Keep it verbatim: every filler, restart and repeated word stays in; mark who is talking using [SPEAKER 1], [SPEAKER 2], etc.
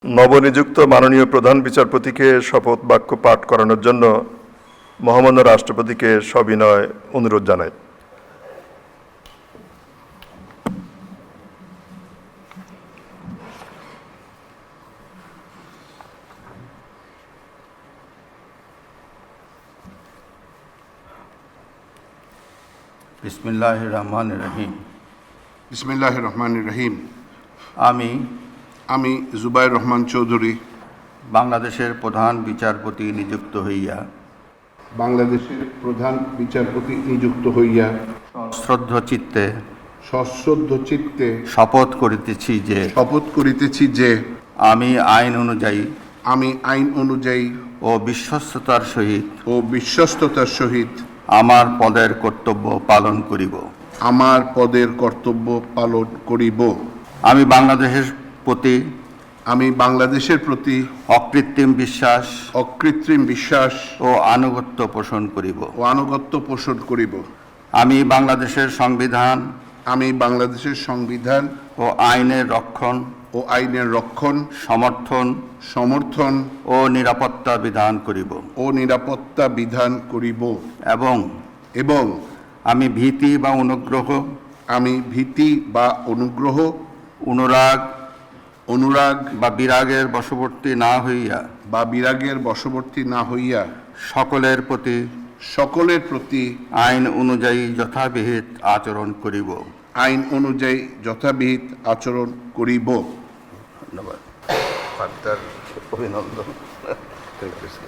[SPEAKER 1] নবনিযুক্ত মাননীয় প্রধান বিচারপতিকে শপথ বাক্য পাঠ করানোর জন্য মহামান্য রাষ্ট্রপতিকে সবিনয় অনুরোধ জানাই।
[SPEAKER 2] বিসমিল্লাহির রহমানির রহিম।
[SPEAKER 3] বিসমিল্লাহির রহমানির রহিম।
[SPEAKER 2] আমি
[SPEAKER 3] আমি জুবাইর রহমান চৌধুরী
[SPEAKER 2] বাংলাদেশের প্রধান বিচারপতি নিযুক্ত হইয়া
[SPEAKER 3] বাংলাদেশের প্রধান বিচারপতি নিযুক্ত হইয়া
[SPEAKER 2] শ্রদ্ধ চিত্তে
[SPEAKER 3] সশ্রদ্ধ চিত্তে
[SPEAKER 2] শপথ করিতেছি যে
[SPEAKER 3] শপথ করিতেছি যে
[SPEAKER 2] আমি আইন অনুযায়ী
[SPEAKER 3] আমি আইন অনুযায়ী
[SPEAKER 2] ও বিশ্বস্ততার সহিত
[SPEAKER 3] ও বিশ্বস্ততার সহিত
[SPEAKER 2] আমার পদের কর্তব্য পালন করিব।
[SPEAKER 3] আমার পদের কর্তব্য পালন করিব।
[SPEAKER 2] আমি বাংলাদেশের প্রতি
[SPEAKER 3] আমি বাংলাদেশের প্রতি
[SPEAKER 2] অকৃত্রিম বিশ্বাস
[SPEAKER 3] অকৃত্রিম বিশ্বাস
[SPEAKER 2] ও আনুগত্য পোষণ করিব
[SPEAKER 3] ও আনুগত্য পোষণ করিব।
[SPEAKER 2] আমি বাংলাদেশের সংবিধান
[SPEAKER 3] আমি বাংলাদেশের সংবিধান
[SPEAKER 2] ও আইনের রক্ষণ
[SPEAKER 3] ও আইনের রক্ষণ
[SPEAKER 2] সমর্থন
[SPEAKER 3] সমর্থন
[SPEAKER 2] ও নিরাপত্তা বিধান করিব
[SPEAKER 3] ও নিরাপত্তা বিধান করিব
[SPEAKER 2] এবং
[SPEAKER 3] এবং
[SPEAKER 2] আমি ভীতি বা অনুগ্রহ
[SPEAKER 3] আমি ভীতি বা অনুগ্রহ
[SPEAKER 2] অনুরাগ
[SPEAKER 3] অনুরাগ
[SPEAKER 2] বা বিরাগের বশবর্তী না হইয়া
[SPEAKER 3] বা বিরাগের বশবর্তী না হইয়া
[SPEAKER 2] সকলের প্রতি
[SPEAKER 3] সকলের প্রতি
[SPEAKER 2] আইন অনুযায়ী যথাবিহিত আচরণ করিব।
[SPEAKER 3] আইন অনুযায়ী যথাবিহিত আচরণ করিব।
[SPEAKER 2] ধন্যবাদ। অভিনন্দন।